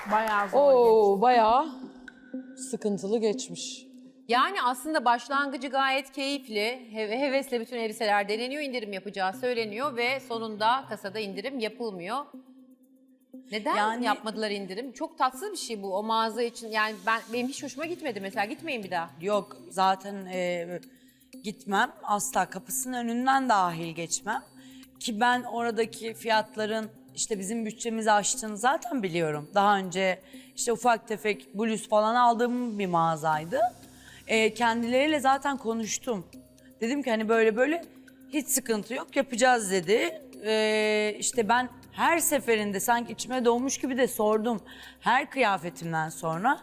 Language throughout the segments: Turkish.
Bayağı zor. Oo, bayağı sıkıntılı geçmiş. Yani aslında başlangıcı gayet keyifli. Hevesle bütün elbiseler deneniyor, indirim yapacağı söyleniyor ve sonunda kasada indirim yapılmıyor. Neden Yani- yapmadılar indirim? Çok tatsız bir şey bu o mağaza için. Yani benim hiç hoşuma gitmedi mesela. Gitmeyin bir daha. Yok zaten gitmem. Asla kapısının önünden dahil geçmem. Ki ben oradaki fiyatların işte bizim bütçemizi aştığını zaten biliyorum. Daha önce işte ufak tefek bluz falan aldığım bir mağazaydı. Kendileriyle zaten konuştum. Dedim ki hani böyle böyle hiç sıkıntı yok yapacağız dedi. İşte ben her seferinde sanki içime doğmuş gibi de sordum. Her kıyafetimden sonra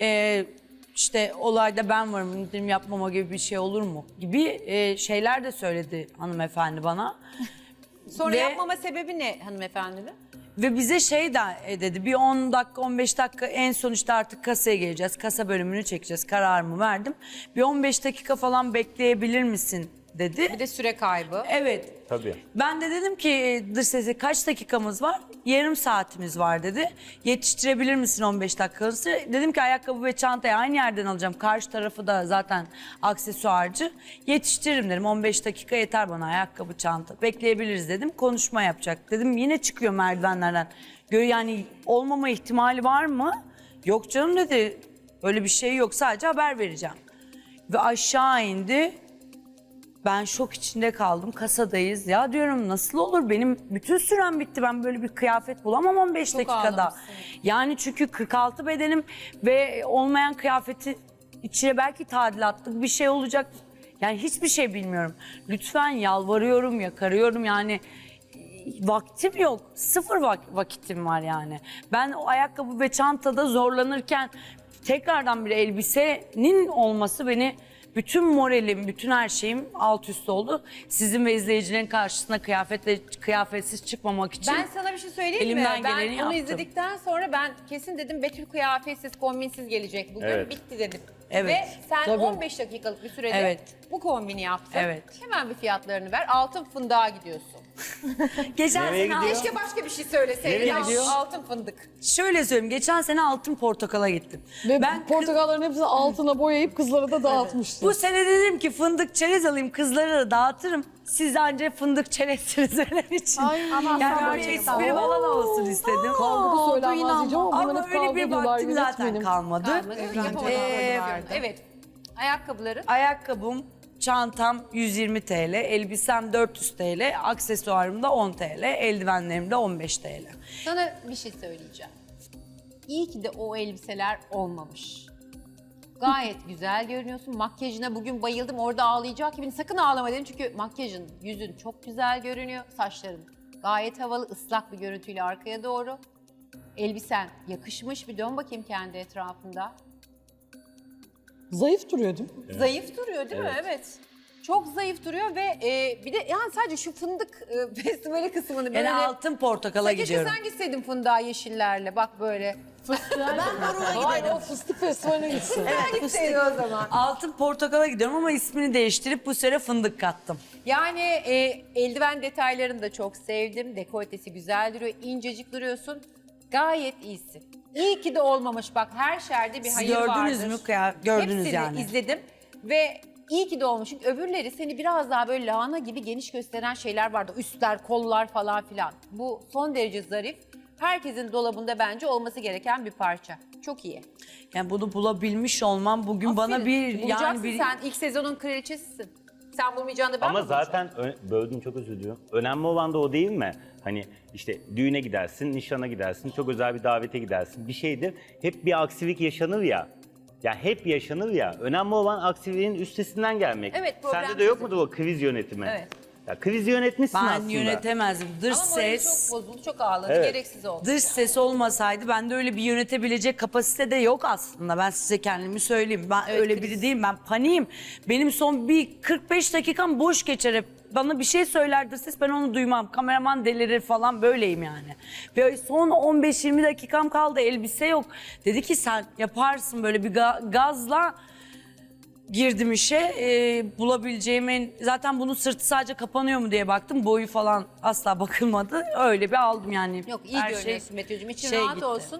işte olayda ben varım indirim yapmama gibi bir şey olur mu gibi şeyler de söyledi hanımefendi bana. Sonra Ve- yapmama sebebi ne hanımefendinin? Ve bize şey de dedi bir 10 dakika 15 dakika en sonuçta artık kasaya geleceğiz. Kasa bölümünü çekeceğiz kararımı verdim. Bir 15 dakika falan bekleyebilir misin dedi. Bir de süre kaybı. Evet. Tabii. Ben de dedim ki dış sese kaç dakikamız var? Yarım saatimiz var dedi. Yetiştirebilir misin 15 dakikanızı? Dedim ki ayakkabı ve çantayı aynı yerden alacağım. Karşı tarafı da zaten aksesuarcı. Yetiştiririm dedim. 15 dakika yeter bana ayakkabı çanta. Bekleyebiliriz dedim. Konuşma yapacak. Dedim yine çıkıyor merdivenlerden. Yani olmama ihtimali var mı? Yok canım dedi. Öyle bir şey yok sadece haber vereceğim. Ve aşağı indi. Ben şok içinde kaldım. Kasadayız. Ya diyorum nasıl olur? Benim bütün sürem bitti. Ben böyle bir kıyafet bulamam 15 Çok dakikada. ağlamışsın. Yani çünkü 46 bedenim ve olmayan kıyafeti içine belki tadilatlık bir şey olacak. Yani hiçbir şey bilmiyorum. Lütfen yalvarıyorum, yakarıyorum yani. Vaktim yok. Sıfır vakitim var yani. Ben o ayakkabı ve çantada zorlanırken tekrardan bir elbisenin olması beni bütün moralim, bütün her şeyim alt üst oldu. Sizin ve izleyicilerin karşısına kıyafetsiz çıkmamak için. Ben sana bir şey söyleyeyim Elimden mi? Ben geleni onu yaptım. izledikten sonra ben kesin dedim Betül kıyafetsiz, kombinsiz gelecek bugün. Evet. Bitti dedim. Evet. Ve sen Tabii. 15 dakikalık bir sürede Evet. bu kombini yaptın. Evet. Hemen bir fiyatlarını ver. Altın fındığa gidiyorsun. Geçen Nereye sene gidiyor? Keşke başka bir şey söyleseydin. Nereye Ya, gidiyor? altın fındık. şöyle söyleyeyim. Geçen sene altın portakala gittim. Ve Ben portakalların hepsini altına boyayıp kızlara da dağıtmıştı. bu sene dedim ki fındık çerez alayım kızlara da dağıtırım. Siz ancak fındık çerezsiniz öyle için. Ama yani sen böyle gerçekten- espri falan olsun istedim. Kavga söylenmez diyeceğim ama bunların Ama hep öyle kavga bir ediyorlar. vaktim zaten yönetmenim. kalmadı. Evet. Ayakkabıların. Ayakkabım, çantam 120 TL, elbisem 400 TL, aksesuarım da 10 TL, eldivenlerim de 15 TL. Sana bir şey söyleyeceğim. İyi ki de o elbiseler olmamış. Gayet güzel görünüyorsun. Makyajına bugün bayıldım. Orada ağlayacak gibi. Sakın ağlama dedim çünkü makyajın, yüzün çok güzel görünüyor. Saçların gayet havalı, ıslak bir görüntüyle arkaya doğru. Elbisen yakışmış. Bir dön bakayım kendi etrafında. Zayıf duruyor değil mi? Zayıf duruyor değil mi? Evet. Çok zayıf duruyor ve bir de yani sadece şu fındık festivali kısmını böyle... Yani altın portakala Keşke gidiyorum. sen gitseydin fındığa yeşillerle bak böyle. Hayır o fıstık festivaline gitsin. Sen gitseydin o zaman. Altın portakala gidiyorum ama ismini değiştirip bu sene fındık kattım. Yani eldiven detaylarını da çok sevdim. Dekoltesi güzel duruyor. İncecik duruyorsun. Gayet iyisin. İyi ki de olmamış. Bak her şerde bir Siz hayır gördünüz vardır. mü? Gördünüz Hepsini yani. izledim ve iyi ki de olmuş. Çünkü öbürleri seni biraz daha böyle lahana gibi geniş gösteren şeyler vardı. Üstler, kollar falan filan. Bu son derece zarif. Herkesin dolabında bence olması gereken bir parça. Çok iyi. Yani bunu bulabilmiş olmam bugün bana Aferin. bir Bulacaksın yani bir sen ilk sezonun kraliçesisin. Sen bulmayacağını da ben Ama mi bulacağım? zaten böldüm çok özür diliyorum. Önemli olan da o değil mi? Hani işte düğüne gidersin, nişana gidersin, çok özel bir davete gidersin. Bir şeydir. Hep bir aksilik yaşanır ya. Ya hep yaşanır ya. Önemli olan aksiliğin üstesinden gelmek. Evet, problem Sende de yok çözüm. mudur o kriz yönetimi? Evet. Ya kriz yönetmişsin ben aslında. yönetemezdim. Dış Ama morali ses. çok bozuldu, çok ağladı. Evet. Gereksiz oldu. Dış ses olmasaydı bende öyle bir yönetebilecek kapasite de yok aslında. Ben size kendimi söyleyeyim. Ben Evet, öyle kriz. biri değilim. Ben paniğim. Benim son bir 45 dakikam boş geçer hep. Bana bir şey söyler dış ses ben onu duymam. Kameraman delirir falan böyleyim yani. Ve son 15-20 dakikam kaldı elbise yok. Dedi ki sen yaparsın böyle bir gazla. Girdim işe bulabileceğimin zaten bunun sırtı sadece kapanıyor mu diye baktım boyu falan asla bakılmadı öyle bir aldım yani. Yok iyi Her görünüyorsun Betül'cüğüm. İçin şey rahat gitti. olsun.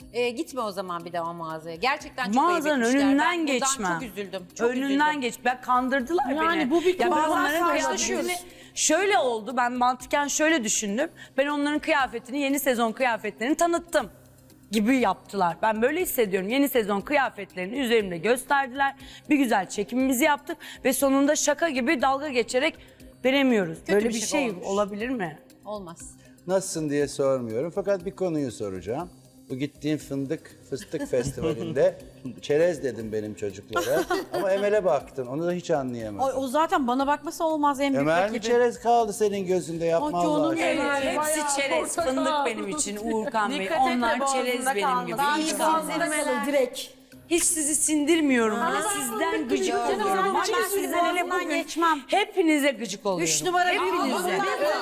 Gitme o zaman bir daha mağazaya. Gerçekten çok Mağazanın ayıp etmişler. önünden Ben bundan geçmem. çok üzüldüm. Çok Önünden üzüldüm. geç. Ben kandırdılar beni. Yani bu bir Ya ben bazen onların karşılaşıyoruz. kıyafetini şöyle oldu. Ben mantıken şöyle düşündüm. Ben onların kıyafetini, yeni sezon kıyafetlerini tanıttım gibi yaptılar. Ben böyle hissediyorum. Yeni sezon kıyafetlerini üzerimde gösterdiler. Bir güzel çekimimizi yaptık ve sonunda şaka gibi dalga geçerek veremiyoruz. Böyle bir bir şey şey olmuş. olabilir mi? Olmaz. Nasılsın diye sormuyorum fakat bir konuyu soracağım. Bu gittiğin fıstık festivalinde çerez dedim benim çocuklara ama Emel'e baktın onu da hiç anlayamadım. O zaten bana bakması olmaz en büyük Emel mi rakibi. çerez kaldı senin gözünde yapma Ay Allah canım aşkına. benim. Hepsi çerez, fındık benim için Uğurkan Bey. Onlar çerez benim gibi. Hiç kalmaz. direkt. Hiç sizi sindirmiyorum bile. Sizden gıcık oluyorum. Ben Ama sizden hele üzerinden bugün geçmem. hepinize gıcık oluyorum. 3 numara Hepinize.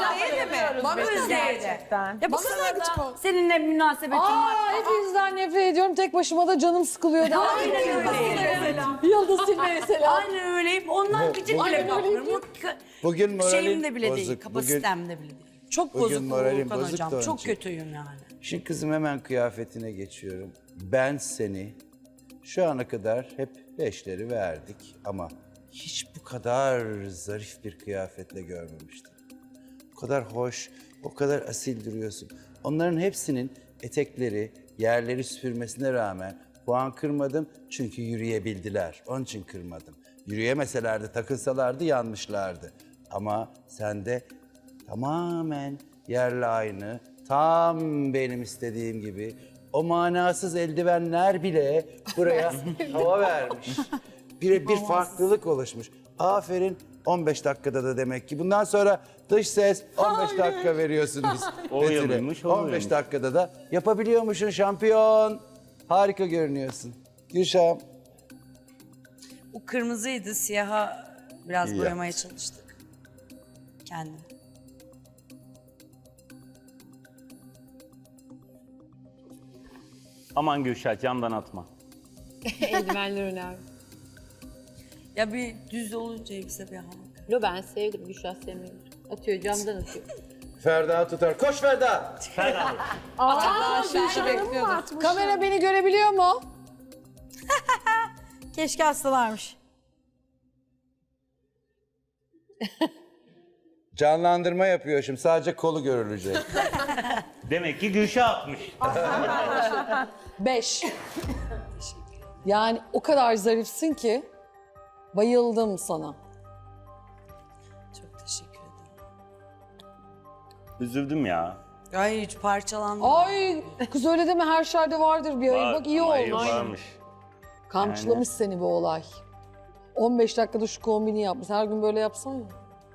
Bana Gerçekten. Ya bu kadar gıcık ol. Seninle münasebetim var. Aa, hepinizden nefret ediyorum. Tek başıma da canım sıkılıyor. Aynen öyleyim. Yıldız Tilbe mesela. Aynen öyleyim. Ondan gıcık bile Aynen kapıyorum. Bugün moralin Şeyimde bile değil, bozuk. kapasitemde bile değil. Çok bugün bozuk moralim Uğurkan bozuk hocam. da onun Çok için. kötüyüm yani. Şimdi kızım hemen kıyafetine geçiyorum. Ben seni şu ana kadar hep 5'leri verdik ama hiç bu kadar zarif bir kıyafetle görmemiştim. O kadar hoş, o kadar asil duruyorsun. Onların hepsinin etekleri, yerleri süpürmesine rağmen puan kırmadım çünkü yürüyebildiler. Onun için kırmadım. Yürüyemeselerdi, takılsalardı yanmışlardı. Ama sende tamamen yerle aynı, tam benim istediğim gibi. O manasız eldivenler bile buraya hava vermiş. Bir farklılık oluşmuş. Aferin 15 dakikada da demek ki. Bundan sonra dış ses 15 dakika veriyorsunuz. Oluyor Betül'e. muymuş, 15 olmuyormuş. dakikada da yapabiliyormuşsun şampiyon. Harika görünüyorsun. Gülşah'ım. Bu kırmızıydı, siyaha biraz İyi boyamaya yaptın. çalıştık. Kendim. Aman Gülşah camdan atma. Eldivenler önemli. Ya bir düz olunca elbise bir hava. Yo ben sevdim. Gülşah sevmiyorum. Atıyor camdan atıyor. Ferda tutar. Koş Ferda. Kamera beni görebiliyor mu? Keşke hastalarmış. Canlandırma yapıyor şimdi. Sadece kolu görülecek. Demek ki Gülşah atmış. 5. Yani o kadar zarifsin ki bayıldım sana. Çok teşekkür ederim. Üzüldüm ya. Ay hiç parçalandım. Ay kız öyle deme, her şerde vardır bir hayır. Var, Bak iyi ama hayır, olmuş. varmış. Kamçılamış seni bu olay. 15 dakikada şu kombini yapmış. Her gün böyle yapsan ya.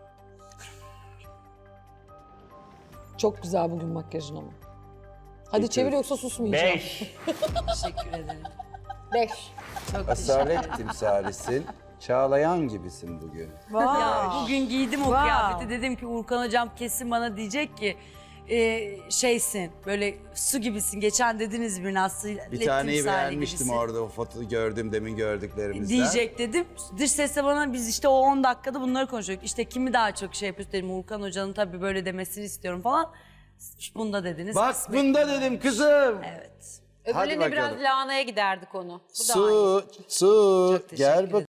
Çok güzel bugün makyajın ama. Hadi çevir yoksa susmayacağım. 5. Teşekkür ederim. 5. Asalet timsalisin. Çağlayan gibisin bugün. Ya bugün giydim o kıyafeti. Dedim ki Uğurkan hocam kesin bana diyecek ki şeysin böyle su gibisin. Geçen dediniz bir nasıl Bir taneyi beğenmiştim orada o fotoğrafı gördüm demin gördüklerimizden. Diyecek dedim. Dış sesle bana biz işte o 10 dakikada bunları konuşuyorduk. İşte kimi daha çok şey yapıyoruz dedim. Uğurkan hocanın tabii böyle demesini istiyorum falan. Bunda dediniz. Bak kısmet. bunda dedim kızım. Evet. Öbürlerine bakalım. biraz lahanaya giderdik onu. Bu da aynı. Su, Çok teşekkür gel ederim.